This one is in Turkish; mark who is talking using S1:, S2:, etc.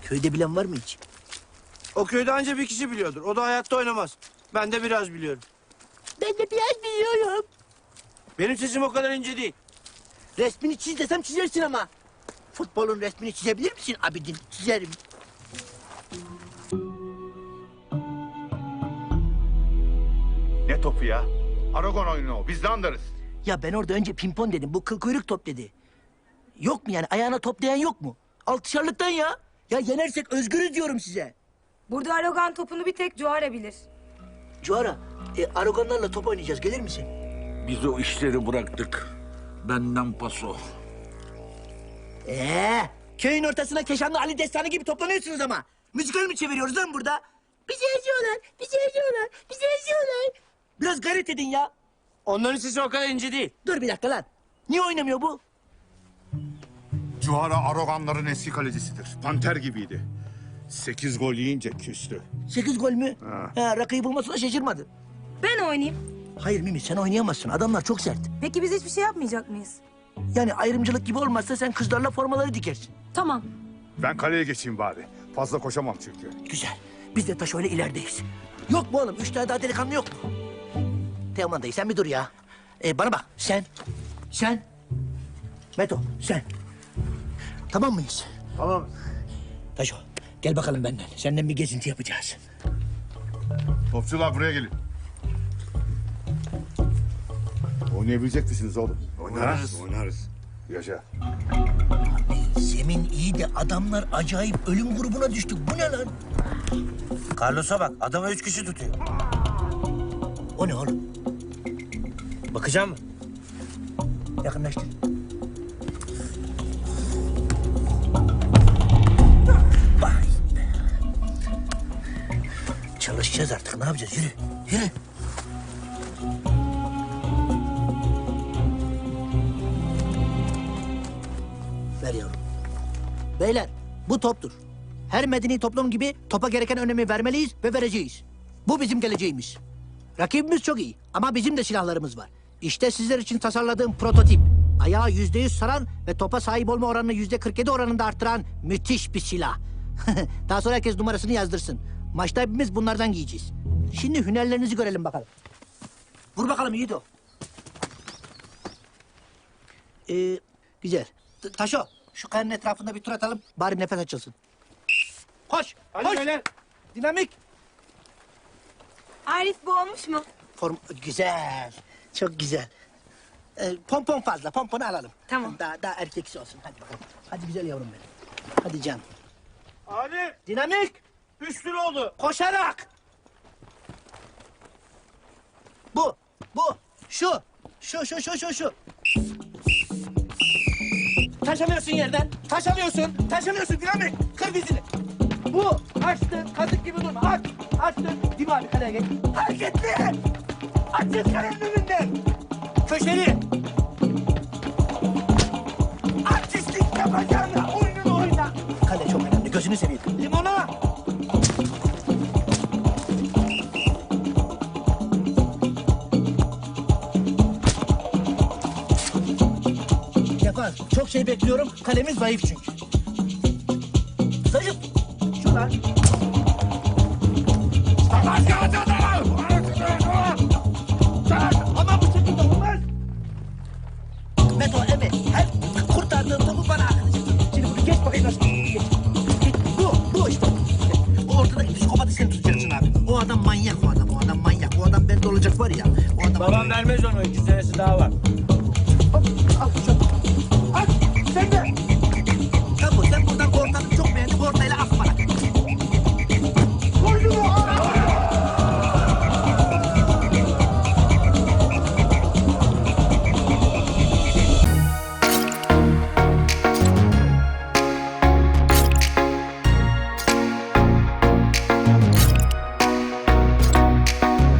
S1: Köyde bilen var mı hiç?
S2: O köyde anca bir kişi biliyordur. O da hayatta oynamaz. Ben de biraz biliyorum.
S1: Ben de biraz biliyorum.
S2: Benim sesim o kadar ince değil.
S1: Resmini çiz desem çizersin ama. Futbolun resmini çizebilir misin Abidin? Çizerim.
S3: Ne topu ya? Aragon oyunu o. Biz de anlarız.
S1: Ya ben orada önce pimpon dedim. Bu kıl kuyruk top dedi. Yok mu yani? Ayağına toplayan yok mu? Altışarlıktan ya. Ya yenersek özgürüz diyorum size.
S4: Burada Aragon topunu bir tek Cuara bilir.
S1: Cuara, Aragonlarla top oynayacağız. Gelir misin?
S5: Biz o işleri bıraktık. Benden paso.
S1: Köyün ortasına Keşanlı Ali Destanı gibi toplanıyorsunuz ama. Müzikal mi çeviriyoruz lan burada? Bizi eziyorlar, bizi eziyorlar, bizi eziyorlar. Biraz gayret edin ya.
S2: Onların sesi o kadar ince değil.
S1: Dur bir dakika lan. Niye oynamıyor bu?
S3: Cuhara Aragonların eski kalecisidir. Panter gibiydi. 8 gol yiyince küstü.
S1: 8 gol mü? Rakıyı bulmasına şaşırmadı.
S4: Ben oynayayım.
S1: Hayır Mimi sen oynayamazsın. Adamlar çok sert.
S4: Peki biz hiçbir şey yapmayacak mıyız?
S1: Yani ayrımcılık gibi olmazsa sen kızlarla formaları dikersin.
S4: Tamam.
S3: Ben kaleye geçeyim bari. Fazla koşamam çünkü.
S1: Güzel. Biz de taş öyle ilerideyiz. Yok mu oğlum? 3 tane daha delikanlı yok mu? Teoman dayı sen bir dur ya. Bana bak sen. Meto sen. Tamam mıyız?
S2: Tamam.
S1: Taşo gel bakalım benden. Senden bir gezinti yapacağız.
S3: Topçular buraya gelin. Oynayabilecek misiniz oğlum?
S2: Oynarız.
S3: Oynarız. Yaşa.
S1: Zemin iyi de adamlar acayip ölüm grubuna düştük. Bu ne lan?
S2: Carlos'a bak. Adama 3 kişi tutuyor.
S1: O ne oğlum?
S2: Bakacağım mı?
S1: Yakınlaştır. Vay be. Çalışacağız artık. Ne yapacağız? Yürü. Yürü. Ver yavrum. Beyler bu toptur. Her medeni toplum gibi topa gereken önemi vermeliyiz ve vereceğiz. Bu bizim geleceğimiz. Rakibimiz çok iyi ama bizim de silahlarımız var. İşte sizler için tasarladığım prototip. Ayağı %100 saran ve topa sahip olma oranını %47 oranında arttıran müthiş bir silah. Daha sonra herkes numarasını yazdırsın. Maçta hepimiz bunlardan giyeceğiz. Şimdi hünerlerinizi görelim bakalım. Vur bakalım Yiğido. Güzel. Taşo, şu kayanın etrafında bir tur atalım. Bari nefes açılsın. Koş,
S2: Hadi
S1: koş.
S2: beyler.
S1: Dinamik.
S4: Arif bu olmuş mu?
S1: Form güzel. Çok güzel. Pompon fazla. Pomponu alalım.
S4: Tamam.
S1: Daha erkeksi olsun. Hadi bakalım. Hadi güzel yavrum benim. Hadi can.
S2: Hadi.
S1: Dinamik.
S2: 3 lira oldu.
S1: Koşarak. Bu. Şu. Şu. Taşamıyorsun yerden. Taşamıyorsun dinamik. Kır dizini. Bu. Açtın. Kazık gibi durma. Açtın. Değil mi abi kaleye geç. Hareketli. Açın kalenin önünden. Köşeli. Artistlik yapacağına oyununu oyna. Kale çok önemli. Gözünü seveyim. Limona. Yapar. Çok şey bekliyorum. Kalemiz zayıf çünkü. Zayıf. Şuradan. Ama bu şekilde olmaz. Meto, evet. Her kurtardığın topu bana atacaksın. Şimdi bunu geç bakayım nasıl. Geç. Bu işte. O ortadaki psikopatı sen tutacaksın abi. O adam manyak. O adam bende olacak var ya. O adam...
S2: Babam vermez onu. 2 senesi daha var.
S1: Hop, al şu.